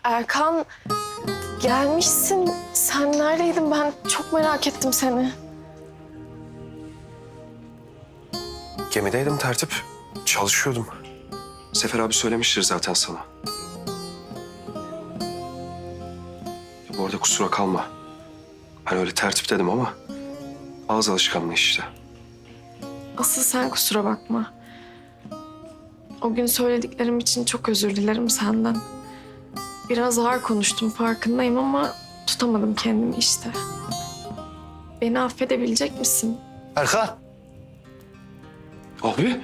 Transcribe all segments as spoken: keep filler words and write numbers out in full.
Erkan, gelmişsin. Sen neredeydin? Ben çok merak ettim seni. Gemideydim tertip. Çalışıyordum. Sefer abi söylemiştir zaten sana. Ya bu arada kusura kalma. Ben öyle tertip dedim ama ağız alışkanlığı işte. Asıl sen kusura bakma. O gün söylediklerim için çok özür dilerim senden. Biraz ağır konuştum farkındayım ama tutamadım kendimi işte. Beni affedebilecek misin? Erkan. Abi.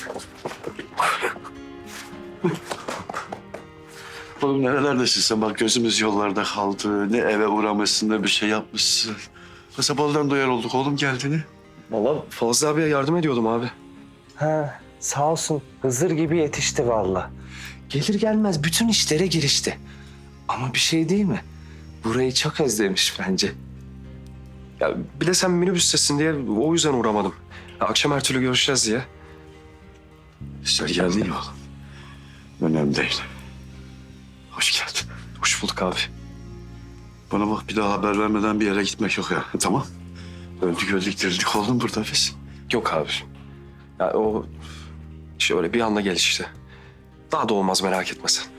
Oğlum nerelerdesin sen? Bak gözümüz yollarda kaldı. Ne eve uğramışsın ne bir şey yapmışsın. Kasabalıdan duyar olduk oğlum geldiğini. Vallahi Fazlı abiye yardım ediyordum abi. Ha, sağ olsun. Hızır gibi yetişti vallahi. Gelir gelmez bütün işlere girişti. Ama bir şey değil mi? Burayı çok özlemiş bence. Ya bir de sen minibüstesin diye o yüzden uğramadım. Ya, akşam her türlü görüşeceğiz diye. Sen geldin ya oğlum. Önemli değil. Hoş geldin. Hoş bulduk abi. Bana bak bir daha haber vermeden bir yere gitmek yok ya. Tamam. Öldük öldük dirildik oğlum burada biz. Yok abi. Ya o şöyle bir anda gelişti. Daha da olmaz merak etme sen.